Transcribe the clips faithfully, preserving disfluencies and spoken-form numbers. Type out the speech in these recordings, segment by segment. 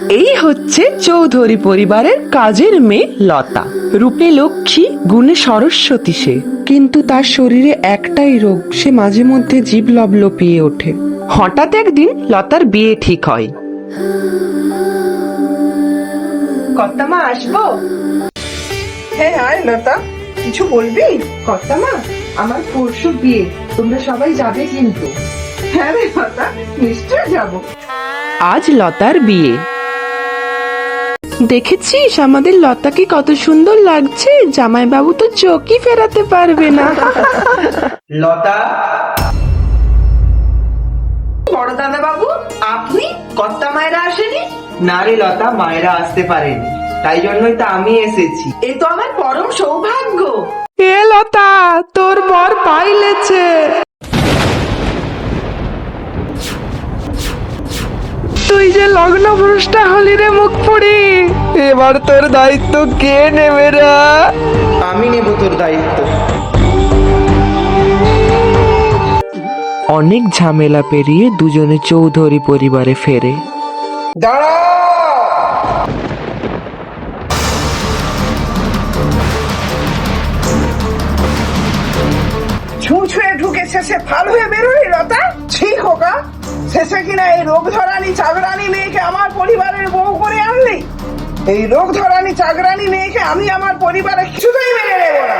এই হচ্ছে চৌধুরী পরিবারের কাজের মেয়ে লতা। রূপে লক্ষ্মী, গুণে সরস্বতী সে। কিন্তু তার শরীরে একটাই রোগ, সে মাঝে মধ্যে জীব লবলপিয়ে ওঠে। হঠাৎ একদিন লতার বিয়ে ঠিক হয়। কর্তামা আসবো? হ্যাঁ আয় লতা, কিছু বলবি? কর্তামা, আমার পরশু বিয়ে, তোমরা সবাই যাবে কিন্তু। হ্যাঁ রে লতা, নিশ্চয় যাব। আজ লতার বিয়ে। দেখেছিস আমাদের লতাকে কত সুন্দর লাগছে, জামাইবাবু তো চোখই ফেরাতে পারবে না। লতা, বড় দাদা বাবু, আপনি? কর্তা মায়েরা আসেনি? না রে লতা, মায়েরা আসতে পারেনি, তাই জন্যই তো আমি এসেছি। এ তো আমার পরম সৌভাগ্য। এ লতা, তোর বর পাইলেছে। তুই যে লগ্ন ভ্রষ্টা হলি রে মুখ পুড়ি, এবার তোর দায়িত্ব কে নেবে রা? আমি নেব তোর দায়িত্ব। অনেক ঝামেলা পেরিয়ে দুজনে চৌধুরী পরিবারে ফেরে। দাঁড়া! ছুঁয়ে ঢুকে শেষে ফাল হয়ে বেরোলি লতা? ছি খোকা, শেষে কিনা এই রোগ ধরানি চাকরানি মেয়েকে আমার পরিবারের বউ করে আনলি। এই রোগ ধরানি চাকরানি মেয়েকে আমি আমার পরিবারে কিছুতেই মেনে নেব না।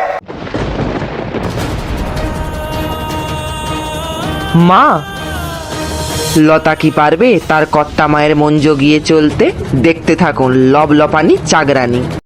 মা, লতা কি পারবে তার কর্তা মায়ের মন জগিয়ে চলতে? দেখতে থাকুন লবলপানি চাগরানি।